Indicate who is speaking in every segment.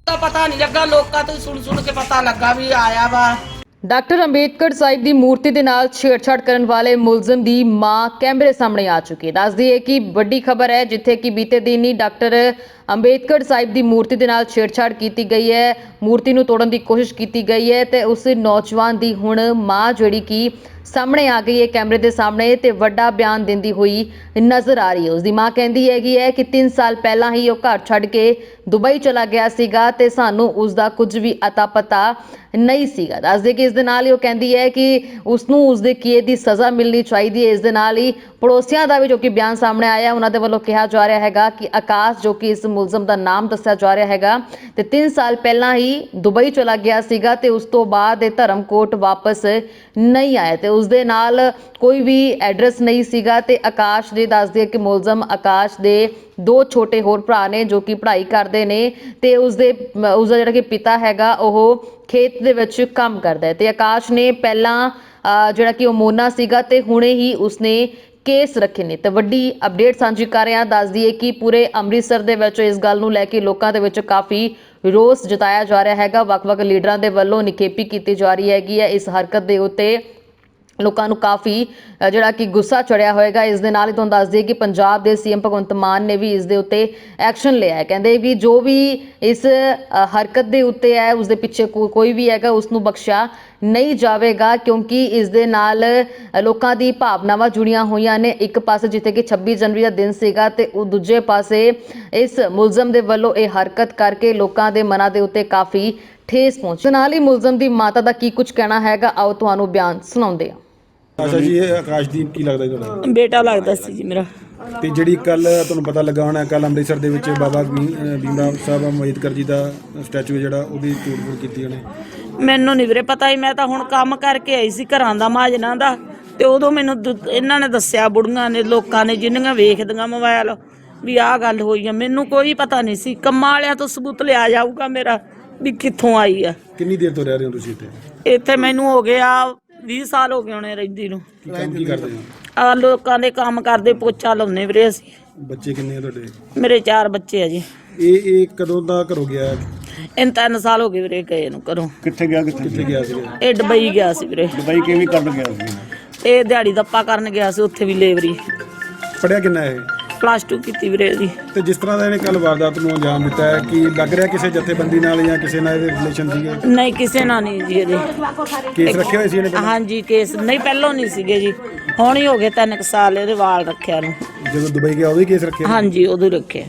Speaker 1: ਪਤਾ ਨਹੀਂ ਲੱਗਾ, ਲੋਕਾਂ ਤੋਂ ਸੁਣ ਕੇ ਪਤਾ ਲੱਗਾ ਵੀ ਆਇਆ ਵਾ।
Speaker 2: ਡਾਕਟਰ ਅੰਬੇਦਕਰ ਸਾਹਿਬ ਦੀ ਮੂਰਤੀ ਦੇ ਨਾਲ ਛੇੜਛਾੜ ਕਰਨ ਵਾਲੇ ਮੁਲਜ਼ਮ ਦੀ ਮਾਂ ਕੈਮਰੇ ਸਾਹਮਣੇ ਆ ਚੁੱਕੀ ਹੈ। ਦੱਸਦੀ ਹੈ ਕਿ ਵੱਡੀ ਖਬਰ ਹੈ, ਜਿੱਥੇ ਕਿ ਬੀਤੇ ਦਿਨ ਹੀ ਡਾਕਟਰ ਅੰਬੇਦਕਰ ਸਾਹਿਬ ਦੀ ਮੂਰਤੀ ਦੇ ਨਾਲ ਛੇੜਛਾੜ ਕੀਤੀ ਗਈ ਹੈ, ਮੂਰਤੀ ਨੂੰ ਤੋੜਨ ਦੀ ਕੋਸ਼ਿਸ਼ ਕੀਤੀ ਗਈ ਹੈ ਤੇ ਉਸ ਨੌਜਵਾਨ ਦੀ ਹੁਣ ਮਾਂ ਜਿਹੜੀ ਕਿ ਸਾਹਮਣੇ ਆ ਗਈ ਹੈ ਕੈਮਰੇ ਦੇ ਸਾਹਮਣੇ ਤੇ ਵੱਡਾ ਬਿਆਨ ਦਿੰਦੀ ਹੋਈ ਨਜ਼ਰ ਆ ਰਹੀ ਹੈ। ਉਸ ਦੀ ਮਾਂ ਕਹਿੰਦੀ ਹੈਗੀ ਹੈ ਕਿ 3 ਸਾਲ ਪਹਿਲਾਂ ਹੀ ਉਹ ਘਰ ਛੱਡ ਕੇ ਦੁਬਈ ਚਲਾ ਗਿਆ ਸੀਗਾ ਤੇ ਸਾਨੂੰ ਉਸ ਦਾ ਕੁਝ ਵੀ ਅਤਾ ਪਤਾ ਨਹੀਂ ਸੀਗਾ। ਦੱਸਦੇ ਕਿ ਇਸ ਦੇ ਨਾਲ ਹੀ ਉਹ ਕਹਿੰਦੀ ਹੈ ਕਿ ਉਸ ਨੂੰ ਉਸ ਦੇ ਕੀਏ ਦੀ ਸਜ਼ਾ ਮਿਲਣੀ ਚਾਹੀਦੀ ਹੈ। ਇਸ ਦੇ ਨਾਲ ਹੀ ਪੜੋਸੀਆਂ ਦਾ ਵੀ ਜੋ ਕਿ ਬਿਆਨ ਸਾਹਮਣੇ ਆਇਆ, ਉਹਨਾਂ ਦੇ ਵੱਲੋਂ ਕਿਹਾ ਜਾ ਰਿਹਾ ਹੈਗਾ ਕਿ ਆਕਾਸ਼ ਜੋ ਕਿ ਇਸ ਮੁਲਜ਼ਮ ਦਾ ਨਾਮ ਦੱਸਿਆ ਜਾ ਰਿਹਾ ਹੈਗਾ ਤੇ 3 ਸਾਲ ਪਹਿਲਾਂ ਹੀ ਦੁਬਈ ਚਲਾ ਗਿਆ ਸੀਗਾ ਤੇ ਉਸ ਤੋਂ ਬਾਅਦ ਇਹ ਧਰਮਕੋਟ ਵਾਪਸ ਨਹੀਂ ਆਇਆ ਤੇ ਉਸ ਦੇ ਨਾਲ ਕੋਈ ਵੀ ਐਡਰੈਸ ਨਹੀਂ ਸੀਗਾ ਤੇ ਆਕਾਸ਼ ਦੇ ਦੱਸਦੇ ਕਿ ਮੁਲਜ਼ਮ ਆਕਾਸ਼ ਦੇ 2 ਛੋਟੇ ਹੋਰ ਭਰਾ ਨੇ ਜੋ ਕਿ ਪੜ੍ਹਾਈ ਕਰਦੇ ਨੇ ਤੇ ਉਸਦਾ ਜਿਹੜਾ ਕਿ ਪਿਤਾ ਹੈਗਾ ਉਹ ਖੇਤ ਦੇ ਵਿੱਚ ਕੰਮ ਕਰਦਾ ਹੈ ਤੇ ਆਕਾਸ਼ ਨੇ ਪਹਿਲਾਂ ਜਿਹੜਾ ਕਿ ਉਹ ਮੋਨਾ ਸੀਗਾ ਤੇ ਹੁਣੇ ਹੀ ਉਸਨੇ ਕੇਸ ਰੱਖੇ ਨੇ ਤੇ ਵੱਡੀ ਅਪਡੇਟ ਸਾਂਝੀ ਕਰ ਰਹੇ ਹਾਂ। ਦੱਸਦੀ ਹੈ ਕਿ ਪੂਰੇ ਅੰਮ੍ਰਿਤਸਰ ਦੇ ਵਿੱਚ ਇਸ ਗੱਲ ਨੂੰ ਲੈ ਕੇ ਲੋਕਾਂ ਦੇ ਵਿੱਚ ਕਾਫੀ ਰੋਸ ਜਤਾਇਆ ਜਾ ਰਿਹਾ ਹੈਗਾ। ਵੱਖ-ਵੱਖ ਲੀਡਰਾਂ ਦੇ ਵੱਲੋਂ ਨਿਖੇਪੀ ਕੀਤੀ ਜਾ ਰਹੀ ਹੈਗੀ ਹੈ। ਇਸ ਹਰਕਤ ਦੇ ਉੱਤੇ ਲੋਕਾਂ ਨੂੰ ਕਾਫੀ ਜਿਹੜਾ ਕਿ ਗੁੱਸਾ ਚੜਿਆ ਹੋਏਗਾ। ਇਸ ਦੇ ਨਾਲ ਹੀ ਤੁਹਾਨੂੰ ਦੱਸ ਦਈਏ ਕਿ ਪੰਜਾਬ ਦੇ ਸੀਐਮ ਭਗਵੰਤ ਮਾਨ ਨੇ ਵੀ ਇਸ ਦੇ ਉੱਤੇ ਐਕਸ਼ਨ ਲਿਆ ਹੈ। ਕਹਿੰਦੇ ਵੀ ਜੋ ਵੀ ਇਸ ਹਰਕਤ ਦੇ ਉੱਤੇ ਹੈ ਉਸ ਦੇ ਪਿੱਛੇ ਕੋਈ ਵੀ ਹੈਗਾ ਉਸ ਨੂੰ ਬਖਸ਼ਿਆ ਨਹੀਂ ਜਾਵੇਗਾ, ਕਿਉਂਕਿ ਇਸ ਦੇ ਨਾਲ ਲੋਕਾਂ ਦੀ ਭਾਵਨਾਵਾਂ ਜੁੜੀਆਂ ਹੋਈਆਂ ਨੇ। ਇੱਕ ਪਾਸੇ ਜਿੱਥੇ ਕਿ 26 ਜਨਵਰੀ ਦਾ ਦਿਨ ਸੀਗਾ ਤੇ ਉਹ ਦੂਜੇ ਪਾਸੇ ਇਸ ਮੁਲਜ਼ਮ ਦੇ ਵੱਲੋਂ ਇਹ ਹਰਕਤ ਕਰਕੇ ਲੋਕਾਂ ਦੇ ਮਨਾਂ ਦੇ ਉੱਤੇ ਕਾਫੀ ਠੇਸ ਪਹੁੰਚੀ। ਨਾਲ ਹੀ ਮੁਲਜ਼ਮ ਦੀ ਮਾਤਾ ਦਾ ਕੀ ਕੁਝ ਕਹਿਣਾ ਹੈਗਾ, ਆਓ ਤੁਹਾਨੂੰ ਬਿਆਨ ਸੁਣਾਉਂਦੇ ਹਾਂ।
Speaker 3: ਅੱਛਾ ਜੀ, ਇਹ ਆਕਾਸ਼ਦੀਪ ਕੀ ਲੱਗਦਾ ਤੁਹਾਨੂੰ?
Speaker 4: ਬੇਟਾ ਲੱਗਦਾ ਸੀ ਜੀ ਮੇਰਾ।
Speaker 3: ਤੇ ਜਿਹੜੀ ਕੱਲ ਤੁਹਾਨੂੰ ਪਤਾ ਲੱਗਾ ਹੋਣਾ, ਕੱਲ ਅੰਮ੍ਰਿਤਸਰ ਦੇ ਵਿੱਚ ਬਾਬਾ ਭੀਮ ਸਾਹਿਬ ਅੰਬੇਦਕਰ ਜੀ ਦਾ ਸਟੈਚੂ ਜਿਹੜਾ ਉਹਦੀ ਤੋੜ-ਫੋੜ ਕੀਤੀ ਉਹਨੇ।
Speaker 4: ਮੈਨੂੰ ਨਹੀਂ ਵੀਰੇ ਪਤਾ ਹੀ, ਮੈਂ ਤਾਂ ਹੁਣ ਕੰਮ ਕਰਕੇ ਆਈ ਸੀ ਘਰਾਂ ਦਾ ਮਾਜਨਾ ਦਾ ਤੇ ਉਦੋਂ ਮੈਨੂੰ ਇਹਨਾਂ ਨੇ ਦੱਸਿਆ, ਬੁੜੀਆਂ ਨੇ ਲੋਕਾਂ ਨੇ ਜਿੰਨੀਆਂ ਵੇਖਦੀਆਂ ਮੋਬਾਈਲ ਵੀ ਆਹ ਗੱਲ ਹੋਈ ਆ। ਮੈਨੂੰ ਕੋਈ ਪਤਾ ਨਹੀਂ ਸੀ। ਕੰਮਾਂ ਵਾਲਿਆਂ ਤੋਂ ਸਬੂਤ ਲਿਆ ਜਾਊਗਾ ਮੇਰਾ ਵੀ ਕਿੱਥੋਂ ਆਈ ਆ।
Speaker 3: ਕਿੰਨੀ ਦੇਰ ਤੋਂ ਰਹਿ ਰਹੇ ਹੋ ਤੁਸੀਂ ਇੱਥੇ?
Speaker 4: ਇੱਥੇ ਮੈਨੂੰ ਹੋ ਗਿਆ 20 ਸਾਲ ਹੋ ਗਏ ਹੋਣੇ ਰਹਿੰਦੀ ਨੂੰ।
Speaker 3: ਕੀ ਕੰਮ ਕੀ ਕਰਦੇ ਹੋ?
Speaker 4: ਆ ਲੋਕਾਂ ਦੇ ਕੰਮ ਕਰਦੇ, ਪੋਚਾ ਲਾਉਂਦੇ ਵੀਰੇ ਅਸੀਂ।
Speaker 3: ਬੱਚੇ ਕਿੰਨੇ ਆ ਤੁਹਾਡੇ?
Speaker 4: ਮੇਰੇ 4 ਬੱਚੇ ਆ ਜੀ।
Speaker 3: ਇਹ ਕਦੋਂ ਦਾ ਘਰੋਂ ਗਿਆ?
Speaker 4: ਇਹਨੂੰ 3 ਸਾਲ ਹੋ ਗਏ ਵੀਰੇ ਗਏ ਨੂੰ ਘਰੋਂ।
Speaker 3: ਕਿੱਥੇ ਗਿਆ ਸੀ?
Speaker 4: ਇਹ ਦੁਬਈ ਗਿਆ ਸੀ ਵੀਰੇ।
Speaker 3: ਦੁਬਈ ਕਿਵੇਂ ਕਰਨ ਗਿਆ ਸੀ?
Speaker 4: ਇਹ ਦਿਹਾੜੀ ਦੱਪਾ ਕਰਨ ਗਿਆ ਸੀ, ਉੱਥੇ ਵੀ ਲੇਬਰੀ।
Speaker 3: ਪੜਿਆ ਕਿੰਨਾ ਇਹ?
Speaker 4: +2 ਕੀਤੀ ਵੀਰੇ ਜੀ।
Speaker 3: ਤੇ ਜਿਸ ਤਰ੍ਹਾਂ ਦਾ ਇਹਨੇ ਕੱਲ ਵਾਰਦਾਤ ਨੂੰ ਅੰਜਾਮ ਦਿੱਤਾ ਹੈ, ਕਿ ਲੱਗ ਰਿਹਾ ਕਿਸੇ ਜਥੇਬੰਦੀ ਨਾਲ ਜਾਂ ਕਿਸੇ ਨਾਲ ਇਹਦੇ ਰਿਲੇਸ਼ਨ ਸੀਗੇ?
Speaker 4: ਨਹੀਂ, ਕਿਸੇ ਨਾਲ ਨਹੀਂ ਜੀ। ਇਹਦੇ
Speaker 3: ਕੇਸ ਰੱਖੇ ਹੋਏ ਸੀ ਇਹਨੇ ਪਹਿਲਾਂ?
Speaker 4: ਹਾਂਜੀ, ਕੇਸ ਨਹੀਂ ਪਹਿਲਾਂ ਨਹੀਂ ਸੀਗੇ ਜੀ, ਹੁਣ ਹੀ ਹੋ ਗਏ 3 ਸਾਲ ਇਹਦੇ ਵਾਲ ਰੱਖਿਆ ਨੂੰ।
Speaker 3: ਜਦੋਂ ਦੁਬਈ ਗਿਆ ਉਦੋਂ ਹੀ ਕੇਸ ਰੱਖਿਆ?
Speaker 4: ਹਾਂਜੀ, ਉਦੋਂ ਰੱਖਿਆ।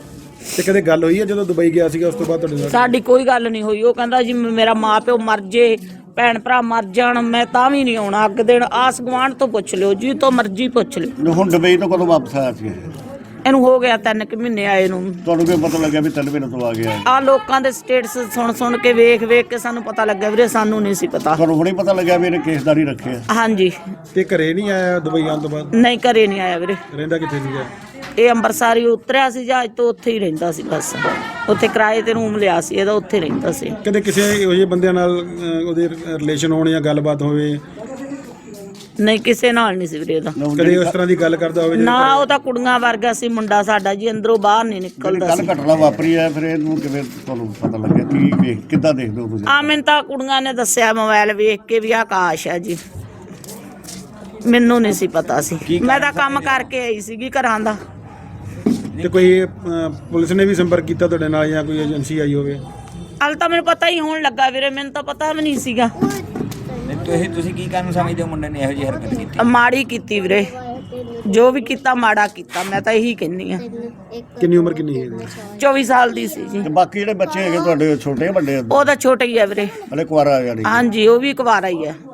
Speaker 3: ਤੇ ਕਦੇ ਗੱਲ ਹੋਈ ਹੈ ਜਦੋਂ ਦੁਬਈ ਗਿਆ ਸੀਗਾ ਉਸ ਤੋਂ ਬਾਅਦ ਤੁਹਾਡੇ ਨਾਲ?
Speaker 4: ਸਾਡੀ ਕੋਈ ਗੱਲ ਨਹੀਂ ਹੋਈ। ਉਹ ਕਹਿੰਦਾ ਜੀ ਮੇਰਾ ਮਾਂ ਪਿਓ ਮਰ ਜੇ, ਭੈਣ ਭਰਾ ਮਰ ਜਾਣ, ਮੈਂ ਤਾਂ ਵੀ ਨਹੀਂ ਆਉਣਾ। ਅੱਗ ਦੇਣ ਆਸ ਗੁਆਂਢ ਤੋਂ ਪੁੱਛ ਲਿਓ, ਜੀ ਤੋਂ ਮਰਜ਼ੀ ਪੁੱਛ ਲਿਓ।
Speaker 5: ਹੁਣ ਦੁਬਈ ਤੋਂ ਕਦੋਂ ਵਾਪਸ ਆਇਆ ਸੀ?
Speaker 4: ਇਹਨੂੰ ਹੋ ਗਿਆ 3 ਮਹੀਨੇ ਆਏ ਨੂੰ।
Speaker 5: ਤੁਹਾਨੂੰ ਕਿਵੇਂ ਪਤਾ ਲੱਗਿਆ ਵੀ 3 ਮਹੀਨੇ ਤੋਂ ਆ ਗਿਆ?
Speaker 4: ਆ ਲੋਕਾਂ ਦੇ ਸਟੇਟਸ ਸੁਣ ਕੇ ਵੇਖ ਕੇ ਸਾਨੂੰ ਪਤਾ ਲੱਗਾ ਵੀਰੇ, ਸਾਨੂੰ ਨਹੀਂ ਸੀ ਪਤਾ।
Speaker 5: ਤੁਹਾਨੂੰ ਹੁਣੇ ਪਤਾ ਲੱਗਿਆ ਵੀ ਇਹਨੇ ਕੇਸਦਾਰੀ ਰੱਖਿਆ?
Speaker 4: ਹਾਂਜੀ।
Speaker 3: ਤੇ ਘਰੇ ਨਹੀਂ ਆਇਆ ਦੁਬਈ ਆਉਣ ਤੋਂ ਬਾਅਦ?
Speaker 4: ਨਹੀਂ, ਘਰੇ ਨਹੀਂ ਆਇਆ ਵੀਰੇ।
Speaker 3: ਰਹਿੰਦਾ ਕਿੱਥੇ ਸੀਗਾ?
Speaker 4: ਇਹ ਅੰਮ੍ਰਿਤਸਰ ਹੀ ਉਤਰਿਆ ਸੀ ਜਹਾਜ਼ ਤੋਂ, ਉੱਥੇ ਹੀ ਰਹਿੰਦਾ ਸੀ ਬਸ। ਉੱਥੇ ਕਿਰਾਏ ਤੇ ਰੂਮ ਲਿਆ ਸੀ ਇਹਦਾ, ਉੱਥੇ ਰਹਿੰਦਾ ਸੀ।
Speaker 3: ਕਦੇ ਕਿਸੇ ਇਹੋ ਜਿਹੇ ਬੰਦਿਆਂ ਨਾਲ ਉਹਦੇ ਰਿਲੇਸ਼ਨ ਹੋਣ ਜਾਂ ਗੱਲਬਾਤ ਹੋਵੇ?
Speaker 4: ਨਹੀਂ, ਕਿਸੇ ਨਾਲ ਨਹੀਂ ਸੀ ਵੀਰੇ ਇਹਦਾ।
Speaker 3: ਕਦੇ ਉਸ ਤਰ੍ਹਾਂ ਦੀ ਗੱਲ ਕਰਦਾ ਹੋਵੇ?
Speaker 4: ਨਾ, ਉਹ ਤਾਂ ਕੁੜੀਆਂ ਵਰਗਾ ਸੀ ਮੁੰਡਾ ਸਾਡਾ ਜੀ, ਅੰਦਰੋਂ ਬਾਹਰ ਨਹੀਂ ਨਿਕਲਦਾ
Speaker 5: ਕੱਲ
Speaker 4: ਸੀ।
Speaker 5: ਘਟਨਾ ਵਾਪਰੀ ਹੈ, ਫਿਰ ਇਹਨੂੰ ਕਿਵੇਂ ਤੁਹਾਨੂੰ ਪਤਾ ਲੱਗਿਆ? ਕੀ ਵੇਖ ਕਿੱਦਾਂ ਦੇਖਦੇ ਹੋ ਤੁਸੀਂ?
Speaker 4: ਆ ਮੈਨੂੰ ਤਾਂ ਕੁੜੀਆਂ ਨੇ ਦੱਸਿਆ ਮੋਬਾਈਲ ਵੇਖ ਕੇ ਵੀ ਆਕਾਸ਼ ਹੈ ਜੀ। ਮੈਨੂੰ ਨਹੀਂ ਸੀ ਪਤਾ ਸੀ, ਮੈਂ ਤਾਂ ਕੰਮ ਕਰਕੇ ਆਈ ਸੀਗੀ ਘਰਾਂ ਦਾ।
Speaker 3: ਤੇ ਕੋਈ ਪੁਲਿਸ ਨੇ ਵੀ ਸੰਪਰਕ ਕੀਤਾ ਤੁਹਾਡੇ ਨਾਲ ਜਾਂ ਕੋਈ ਏਜੰਸੀ ਆਈ ਹੋਵੇ?
Speaker 4: ਹਾਲੇ ਤਾਂ ਮੈਨੂੰ ਪਤਾ ਹੀ ਹੋਣ ਲੱਗਾ ਵੀਰੇ, ਮੈਨੂੰ ਤਾਂ ਪਤਾ ਵੀ ਨਹੀਂ ਸੀਗਾ।
Speaker 6: ਤੁਸੀਂ ਕੀ ਕਾਰਨ ਸਮਝਦੇ ਹੋ ਮੁੰਡੇ ਨੇ ਇਹੋ ਜਿਹੀ ਹਰਕਤ ਕੀਤੀ?
Speaker 4: ਮਾੜੀ ਕੀਤੀ ਵੀਰੇ, ਜੋ ਵੀ ਕੀਤਾ ਮਾੜਾ ਕੀਤਾ, ਮੈਂ ਤਾਂ ਇਹੀ ਕਹਿੰਦੀ ਆ।
Speaker 3: ਕਿੰਨੀ ਉਮਰ ਕਿੰਨੀ ਹੈ ਇਹਦੀ?
Speaker 4: 24 ਸਾਲ ਦੀ ਸੀ ਜੀ।
Speaker 5: ਤੇ ਬਾਕੀ ਜਿਹੜੇ ਬੱਚੇ ਹੈਗੇ ਤੁਹਾਡੇ ਛੋਟੇ ਵੱਡੇ?
Speaker 4: ਉਹ ਤਾਂ ਛੋਟਾ ਹੀ ਹੈ ਵੀਰੇ।
Speaker 5: ਹਲੇ ਕੁਆਰਾ ਜਾਨੀ?
Speaker 4: ਹਾਂਜੀ, ਉਹ ਵੀ ਕੁਵਾਰਾ ਹੀ ਹੈ।